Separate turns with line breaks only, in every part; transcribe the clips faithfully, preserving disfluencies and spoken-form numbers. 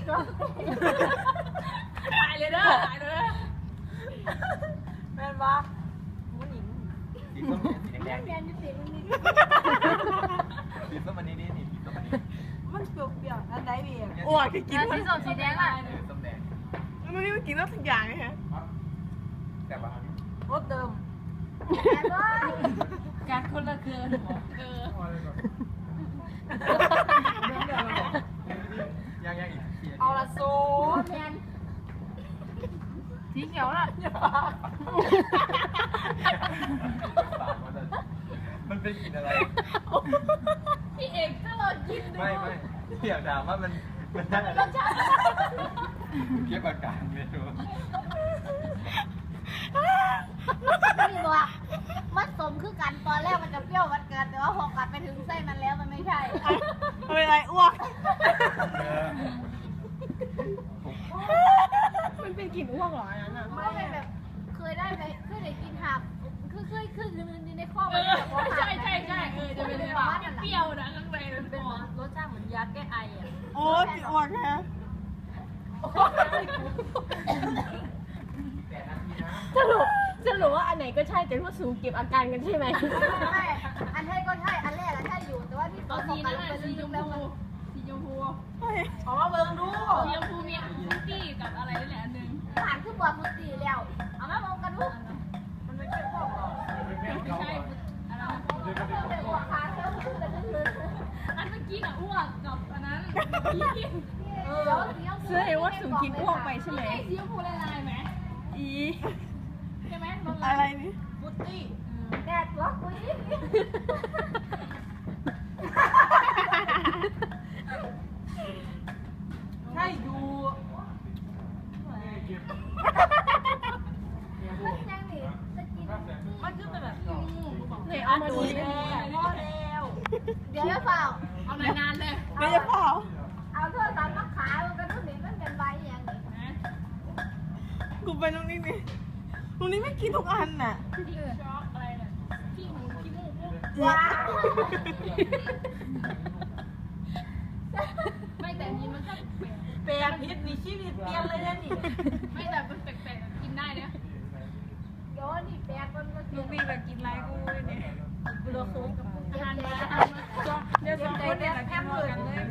ก็ตายเลยเด้อตายเลยแม่นปะผู้หญิง
สีส้มสีแดง
แดงนี่สีมันนี่
สีส้มอันนี้นี่สีส้มอันนี้
มันเปรี้ยวๆอันไหนดีอ่ะ
อ้วกกิน
สีส้มสีแดงอ่ะ
ส้มแดง
มันนี่มันกินแล้วทุกอย่างไงฮะ
แต่ว่า
รสเดิม
การคนละเกินเออ
ยังยังอีก
เอาละสูแมน
สีเขียวล่ะ
มันเป็นกลิ่นอะไร
พี่เอกถ้าเรากินดู
ไม่ไม่อยากถามว่ามันมันได้อะไรเก็บอาการไม่รู้
พี่บอกมันสมคือกันตอนแรกมันจะเปรี้ยวมันเกินแต่ว่าพอกัดไปถึงไส้มันแล้วมันไม่ใช่
เป็นไรอ้วกมันเป็นกลิ่นอ้วกเหรออันนั้นอ่ะ
ไม่เป็นแบบเคยได้ไหมเคยได้กินหักคือเคยคืออยู่ในข้อ
เอ
มัน
อ
แบบว่า
ใช่ใช่ใช่เออจะเป็นแบบเปรี้ยวนะข้างในมัน
เป็
เป็น น
เหมือนรสชาติเหมือนยาแก้ไออ่ะ
โอ้กลิ่นอ้วกฮะ
สรุปสรุปว่าอันไหนก็ใช่แต่ว่าสูงเก็บอาการกันใช่ไหม
ใช่อันแรกก็ใช่อันแรกอะใช่อยู่แต่ว่าที่ส
ต
อ
อง น
ของ
นี้
กัน
นะ
ลงไป
สี
ลึ
ช
ก
ม
ๆแล้ว
พู
มัน
สีชมพูเอามาเบิ่งดูสีชมพูมีฟรุตตี้กับอะไรนี่แหละอันหนึ่ง
ผ่านคือบวกมือตีแล้วเอามามองกันดู
มันไม่ใช่พวกหรอกไม่ใช่อะไร
เดี๋ยวหัวขาเธอคือแต่ก็คือ
อันเมื่อกี้น่ะอ้วกกับอันนั้น
เออ
เสื้อเห็นว่าสูงกินอ้วกไปใช่ไหม
ไอ้สีชมพูลายๆไหม
อี
ใช่ไหม
อะไรนี่
ฟรุตตี้
แดดตัวกูยิ่ง
ใช่ดู
ยังหนีจะกิน
มันคือเป็นแบบ
ไหนเอามาดู
แล้
ดิ
วพอแล้ว
เดี๋ยวเปล่า
เอานานๆเลย
ไม่จะเปล่า
เอาโทรศัพท์มาขายมันก็ต้องหนีมันเป็นใบอย่างนี้
กูไปตรงนี้นี่ตรงนี้ไม่กินทุกอันน่ะ
ที่ช็อกอะไรเนี่ยที่หูที่มูกปุ๊บ
ว้า
ไม่แต่นี้มันก็แปลก
แปลกพิษนี่ชีวิตเปลี่ยนเลยนะนี่
ไม่แต่มันแปลกๆกินได้เนี่ย
โยนนี่แปลกมันก็กิ
ลู
น
กนี่แบบกินไรกูเนี่ยกูโดนคุ้ม
อาหารมา
เดี๋ยวสองคนเนี่ยแค่มือกันเลย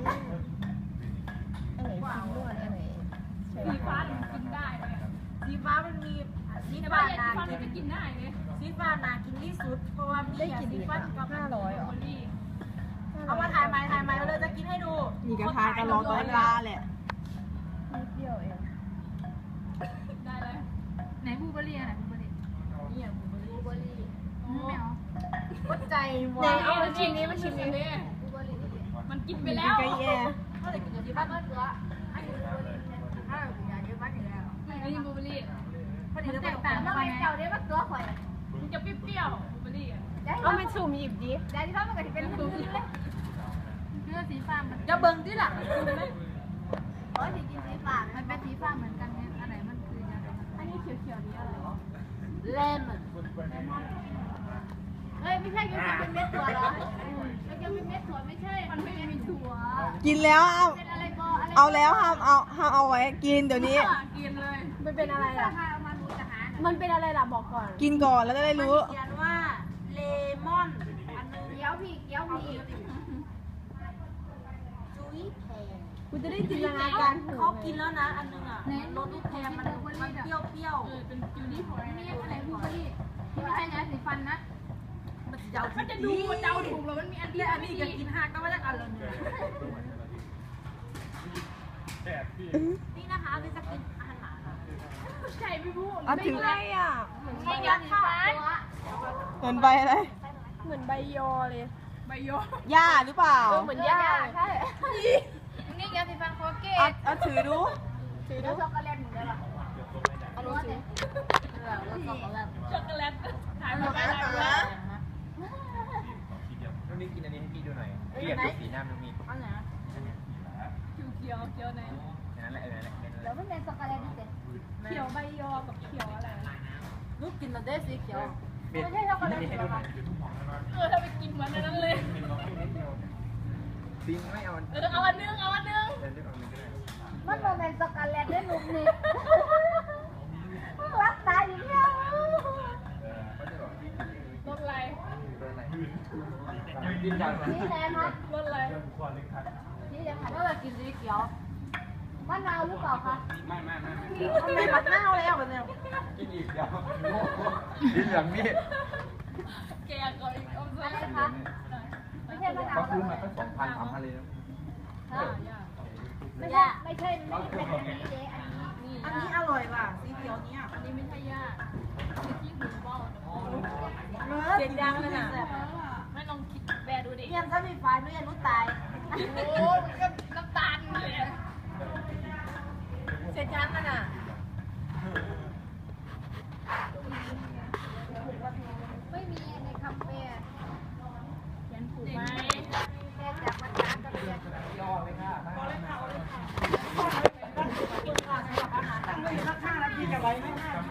อันไหนฟินด้วยอันไหนใช่
สี
ปะ
ฟ้ามันกินได้เลย
สีฟ้ามันมีสี
แต่
ฟ้า
ว่าอย่าง
นา
สีฟ้า
กิ
มัน
น
จะกินได้เลย
สีฟ้านากินที่สุด เพราะว่ามี
ได้กี่
สี
ลิตร
ฟ้า
อะ
กับ
ห้าร้อยเหรอ
โอลี่
เอามาถ่ายใหม่ถ่ายใหม่เราเลยจะกินให้ดูนี่กระทายกันรอตัวเวลาแหละ
นิดเดียวเอง
ได้เลย
ไหนบูเบอรี่ไหนบูเบอรี่
นี่บูเบอรี่
ไม่เอา
วัดใจหม
ไหน
ด
เอามาชิ้นนี้มาชิ้นนี้
บูเบอรี่
มันกินไป
กิน
แล้ว
ไก่แย่
ก็เลยกินที่บ้านก็ตัวอันนี้บูเบอรี่ถ้าเราอยากเยอะบ้านอยู่แล้ว
อันนี้บลูเบอร์รี่
พอดีเราแตกต่างกันเจ้าได้บ้านตัวข่อย
มันจะเปรี้ยวๆบลูเบอร์รี่อ่ะ
เอาไปสุ่มหยิบดิ
ได้ที่บ้านมันก็จะเป็นบูเบอรี่
เนื้อสีฟ้ามัน
จะเบิ่งที่หลัง
โอ้ยกินสีฟ้ามันเป็นสีฟ้าเหมือนกันเนี่ยอันไหนมันคือยังไง
อันนี้เขียวๆนี้อะไร
เลมอนเฮ้ยไม่ใช่ยังเป็นเม็ดถั่วเหรอมันยังเป็นเม็ดถั่วไม่ใช่
มันไม่มีถั่ว
กินแล้วเอา
เป็นอะไรก็อะไร
เอาแล้วห้ามเอาห้ามเอาไว้กินเดี๋ยวนี้
กินเลย
มันเป็นอะไรล่ะ
เอามาดูจะหา
มันเป็นอะไรล่ะบอกก่อน
กินก่อนแล้วจะได้รู้
เขียนว่าเลมอนอันนึงเกี้ยวพี่เกี้ยวพี่จุ้ยแพง
กูจะได้จินตนาการถูก
เขากินแล้วนะอันนึงอ่ะ
ในรสลูกแพงมันมันเปรี้ยวเปรี้ยว
เออเป็นกิวนี่ถั่ว
นี่อะไรบูเบอรี่ที่ไม่ใช่ยาสีฟันนะ
มันจะเอา
มันจะดูเดาถูกแล้วมันมีอันที่
และอันนี้ก็กินหักก็ไม่ได้อันเลยนี่นะคะนี่จะกินอาหาร
ใช่ไม่พูด
อ่ะถือ
อะไรอ่ะ
ใช่ยาสีฟัน
เหมือนใบอะไร
เหมือนใบยอเลย
ใบโย
หญ้าหรือเปล่า
เออเหมือนหญ้า
ใช่นี่ยาสีฟันโคเกต
เอาเอาถือดู
ถือแล้วช็อกโกแลตเหมือนกันหรอเอารสเลยรสช็อกโกแลต
ช็อกโกแลตถ่ายมาไปถ่ายมา
น้องนี่กินอันนี้ให้พี่ดูหน่อยพี่อยากดูสีหน้าน้องนี่
อันไหน
เขียวเขียวไหน
นั่นแหละนั่นแหละนั่นแห
แล้
ละ
วมันเป็นช็อกโกแลตนี่สิ
เขียวใบยอกับเขียวอะไร
ลูกกินแล้วได้สีเขียว
ไม่ใช่ช็อกโกแลต
ให้
หร
ดู
อ
หน่
คะ
อย
เออถ้าไปกินมันนั้นเลย
ซิงไม่เอา
เออเอาอันนึงเอาอันนึง
เดินเลือกเอาหนึ่งก็ได้กินจาก
สีแดงคะ
รสอะไร
สีแดงค่ะก็เลยกินสีเขียวมะนาวหรือเปล่าคะ
ไม่ไม่ไม่
ทำไมบักหน้าแล้วแบบเนี้ย
กินอีกเดียวกินอย่างนี้
แกก่อนอีกเอา
อะไร
ใส่
คะไม่ใช่มะนาว
เขาซื้อมาก็สองพันสามพันเลยนะ
ไม่ใช่ไม่ใช่ไม่ใช่เป็นอันนี้เด้อันนี้
อันนี้อร่อยว่ะสีเขียวเนี้ย
อันนี้ไม่ใช่ย่าคือที่หูเบ้า
เนื้อเสียงดังเลยน่ะ
ไม่ลองคิดแบดูดิ
เนี่ยถ้ามีไฟไม่ยันรู้ตาย
โอ้มันก็น้ำตาลเลย
เสร็จยังกันอ่ะ
ไม่มีในคำแปล
ยันผูกไหม
แปลจากภาษากะเหรี่ยง
ย่อเลยค่ะ
ตั้งเลยข้างๆแล้วกินกับอะไรไม่ได้